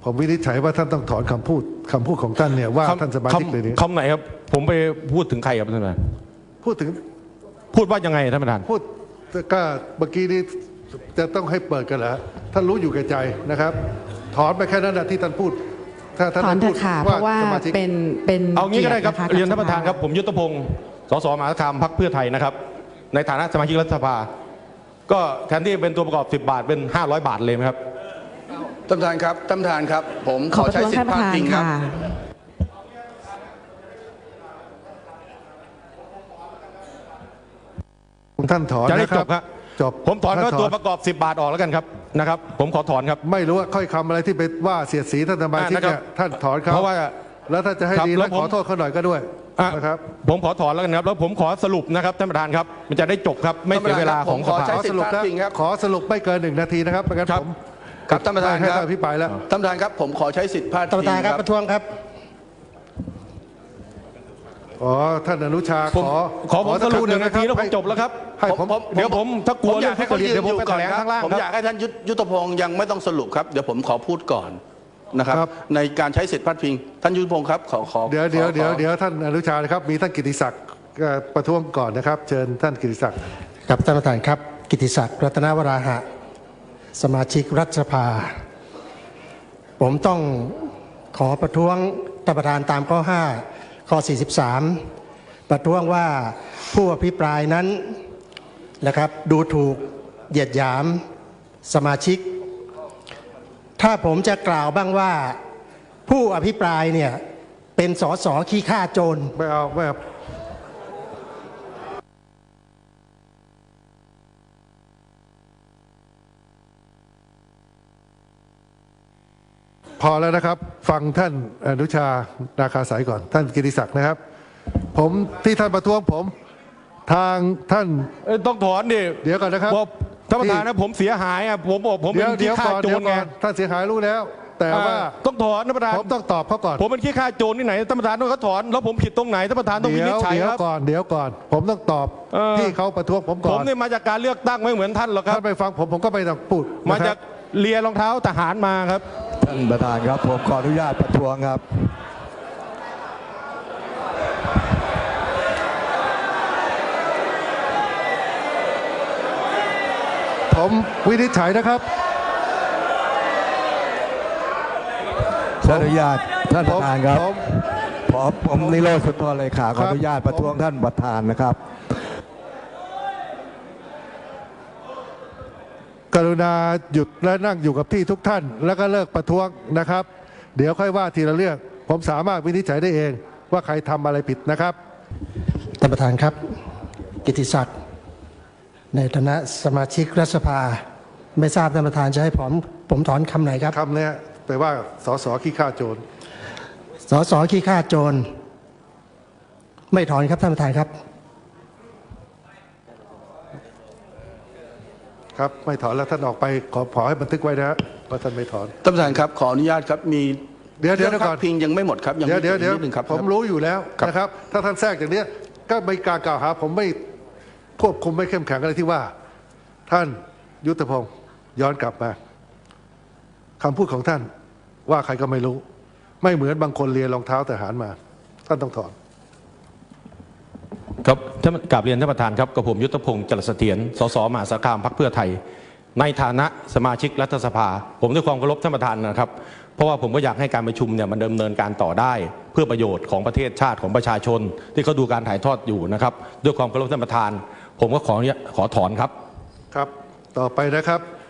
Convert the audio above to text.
ผมวินิจฉัยว่าท่านต้องถอนคำพูดของท่านเนี่ยว่าท่านสมาชิกเลยนี้คำไหนครับผมไปพูดถึงใครครับท่านประธานพูดว่ายังไงท่านประธานพูดก็เมื่อกี้นี้จะต้องให้เปิดกันเหรอท่านรู้อยู่แก่ใจนะครับถอนไปแค่นั้นนะที่ท่านพูดถ้าท่านถอนเถอะค่ะเพราะว่าเป็นเอางี้ก็ได้ครับเรียนท่านประธานครับผมยุทธพงศ์สสมหาสารคามพรรคเพื่อไทยนะครับในฐานะสมาชิกรัฐสภาก็แทนที่เป็นตัวประกอบ10 บาทเป็น500 บาทเลยไหมครับท่านประธานครับท่านประธานครับผมขอใช้สิทธิพาดพิงครับท่านถอนจะได้นะครับจบผมถอนก็ตัวประกอบ10 บาทออกแล้วกันครับนะครับผมขอถอนครับไม่รู้ว่าค่อยคำอะไรที่ไปว่าเสียดสีท่านสมาชิกเนี่ยท่านถอนครับเพราะว่าแล้วถ้าจะให้ดีแล้วขอโทษเขาหน่อยก็ด้วยนะครับผมขอถอนแล้วกันครับแล้วผมขอสรุปนะครับท่านประธานครับมันจะได้จบครับไม่เสียเวลาของสภาสรุปครับขอสรุปไม่เกิน1 นาทีนะครับไม่งั้นผมครับท่านประธานครับพี่ปายแล้วท่านประธานครับผมขอใช้สิทธิพาดพิงท่านประธานครับประท้วงครับท่านอนุชาขอผมสรุป1 นาทีแล้วผมจบแล้วครับเดี๋ยวผมถ้ากลัวเรื่องทุจริตเดี๋ยวผมไปแถลงข้างล่างผมอยากให้ท่านยุทธพงศ์ยังไม่ต้องสรุปครับเดี๋ยวผมขอพูดก่อนนะครับในการใช้สิทธิพาดพิงท่านยุทธพงศ์ครับขอเดี๋ยวท่านอนุชานะครับมีท่านกิติศักดิ์ประท้วงก่อนนะครับเชิญท่านกิติศักดิ์ครับท่านประธานครับกิติศักดิ์รัตนวราหะสมาชิกรัฐสภาผมต้องขอประท้วงท่านประธานตามข้อ5ข้อ43ประท้วงว่าผู้อภิปรายนั้นนะครับดูถูกเหยียดหยามสมาชิกถ้าผมจะกล่าวบ้างว่าผู้อภิปรายเนี่ยเป็นสสขี้ข้าโจรไม่เอาพอแล้วนะครับฟังท่านอนุชานาคาสายก่อนท่านกิติศักดิ์นะครับผมที่ท่านประท้วงผมทางท่านต้องถอนดิเดี๋ยวก่อนนะครับท่านประธานนะผมเสียหายอ่ะผมบอกผมเป็นขี้ข้าโจรไงท่านเสียหายรู้แล้วแต่ว่าต้องถอนท่านประธานผมต้องตอบเขาก่อนผมเป็นขี้ข้าโจรที่ไหนท่านประธานต้องเขาถอนแล้วผมผิดตรงไหนท่านประธานต้องวินิจฉัยครับเดี๋ยวก่อนผมต้องตอบที่เขาประท้วงผมก่อนผมเนี่ยมาจากการเลือกตั้งไม่เหมือนท่านหรอกครับท่านไปฟังผมก็ไม่ต้องพูดมาจากเลียรองเท้าทหารมาครับท่านประธานครับผมขออนุญาตประท้วงครับผมวินิจฉัยนะครับขออนุญาตท่านประธานครับผมนิโรธสุนทรเลขาขออนุญาตประท้วงท่านประธานนะครับกรุณาหยุดและนั่งอยู่กับที่ทุกท่านแล้วก็เลิกประท้วงนะครับเดี๋ยวค่อยว่าทีละเรื่องผมสามารถวินิจฉัยได้เองว่าใครทำอะไรผิดนะครับท่านประธานครับกิติศักดิ์ในฐานะสมาชิกรัฐสภาไม่ทราบท่านประธานจะให้ผมถอนคำไหนครับคำนี้แปลว่าสสขี้ข้าโจรสสขี้ข้าโจรไม่ถอนครับท่านประธานครับครับไม่ถอนแล้วท่านออกไปขอให้บันทึกไว้นะว่าท่านไม่ถอนท่านประธานครับขออนุญาตครับมีเดี๋ยวก่อนพิงยังไม่หมดครับเดี๋ยวผมรู้อยู่แล้วนะครับถ้าท่านแทรกอย่างนี้ก็ไม่การกล่าวหาผมไม่ควบคุมไม่เข้มแข็งอะไรที่ว่าท่านยุทธพงศ์ย้อนกลับมาคำพูดของท่านว่าใครก็ไม่รู้ไม่เหมือนบางคนเรียนรองเท้าทหารมาท่านต้องถอนครับท่านกราบเรียนท่านประธานครับกับผมยุทธพงศ์จรัสเสถียรสสมหาสารคามพรรคเพื่อไทยในฐานะสมาชิกรัฐสภาผมด้วยความเคารพท่านประธานนะครับเพราะว่าผมก็อยากให้การประชุมเนี่ยมันดำเนินการต่อได้เพื่อประโยชน์ของประเทศชาติของประชาชนที่เขาดูการถ่ายทอดอยู่นะครับด้วยความเคารพท่านประธานผมก็ขอถอนครับครับต่อไปนะครับ